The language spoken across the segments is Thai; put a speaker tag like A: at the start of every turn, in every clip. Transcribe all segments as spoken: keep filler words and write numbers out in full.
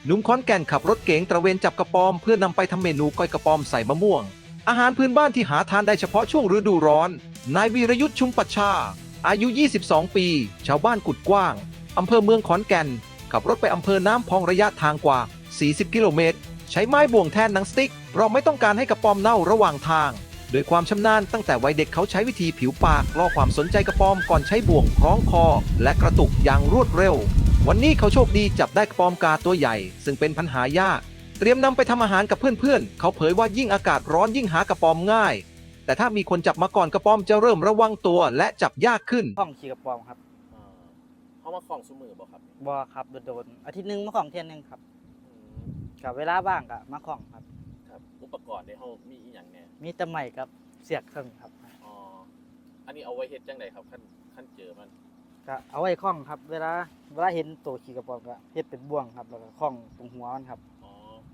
A: หนุ่มขอนแก่นขับรถเก๋งตระเวนจับกระปอมเพื่อนำไปทำเมนูก้อยกระปอมใส่มะม่วงอาหารพื้นบ้านที่หาทานได้เฉพาะช่วงฤดูร้อนนายวีรยุทธ์ชุมปัชชาอายุยี่สิบสองปีชาวบ้านกุดกว้างอำเภอเมืองขอนแก่นขับรถไปอำเภอน้ำพองระยะทางกว่าสี่สิบกิโลเมตรใช้ไม้บ่วงแทนหนังสติ๊กเราไม่ต้องการให้กระปอมเน่าระหว่างทางโดยความชำนาญตั้งแต่วัยเด็กเขาใช้วิธีผิวปากล่อความสนใจกระปอมก่อนใช้บ่วงคล้องคอและกระตุกอย่างรวดเร็ววันนี้เขาโชคดีจับได้กระปอมกาตัวใหญ่ซึ่งเป็นปัญหายากเตรียมนำไปทำอาหารกับเพื่อนๆเขาเผยว่ายิ่งอากาศร้อนยิ่งหากระปอมง่ายแต่ถ้ามีคนจับมาก่อนกระปอมจะเริ่มระวังตัวและจับยากขึ้น
B: ข้องขี่กระปอมครับ
C: อ่าเขามาคล้องซุมือบ่ครับ
B: บอครับโดนๆอาทิตย์หนึงมาข้องเที่ยหนึงครับ
C: อืม
B: กับเวลาว่างก็มาข้องครับ
C: ครับอุปกรณ์ในเฮามีอีหยังแหน่
B: มีแตะไม้กับเสียกเท่านั้นครับ
C: อ๋ออันนี้เอาไว้เฮ็ดจังไดครับขั้นขั้นเจอมัน
B: ก็เอาไว้ข้องครับ เวลาเวลาเห็นตัวขี่กระปอมก็เฮ็ดเป็นบ่วงครับแล้วก็ข้องตรงหัวมันครับ
C: อ๋อ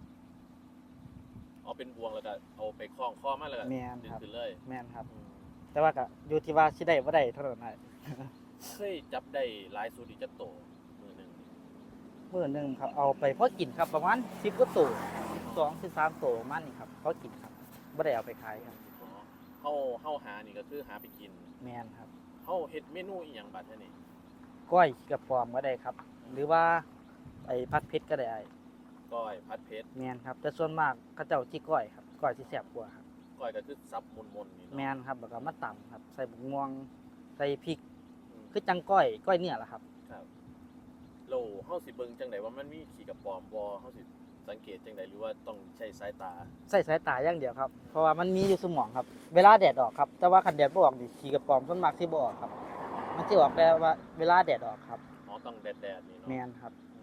C: เอาเป็นบวงแล้วก็เอาไปคล้องคอมันแล้วก็
B: แม่น
C: ดึง
B: ครับ
C: ขึ้นเลย
B: แม่นครับ
C: อืม
B: แต่ว่าก็อยู่ที่ว่าสิได้บ่ได้เท่านั้นได้
C: เคยจับได้หลายสุดอีกจักโตมือหนึงนี่
B: มื้อหนึงครับเอาไปพอกินครับประมาณสิบกว่าตัวสิบสอง สิบสามตัวประมาณนี้ครับพอกินครับบ่ได้เอาไปขายครับ
C: อ๋อเฮาเฮาหานี่ก็คือหาไปกิน
B: แม่นครับ
C: เฮาเฮ็ดเมนูอีหยังบัดเท่านี้
B: ก้อยขี่กระปอมก็ได้ครับ หรือว่าไอ้ผัดเผ็ดก็ได้
C: ก้อยผัดเผ็ด
B: แม่นครับแต่ส่วนมากเขาเจ้าที่ก้อยครับก้อยที่แซ่บกว่าครับ
C: ก้อยก็คือซับมนๆนี่
B: แม่
C: เนาะ
B: นครับแล้วก็มาตำครับใส่บุกม่วงใส่พริก
C: อืม
B: คือจังก้อยก้อยเนี่ยแหละครับ
C: ครับโลเฮาสิเบิ่งจังไดว่ามันมีขี้กระปอมบ่เฮาสิสังเกตจังไดหรือว่าต้องใช้สายตา
B: ใส่สายตาอย่างเดียวครับเพราะว่ามันมีอยู่สมองครับ เวลาแดดออกครับแต่ว่าคันแดดบ่ออกนี่ขี้กระป๋อมส่วนมากสิบ่ออกครับมันสิออกแต่ว่าเวลาแดดออกครับ
C: อ๋อต้องแดดๆนี่เนาะ
B: แม่นครับ
C: อ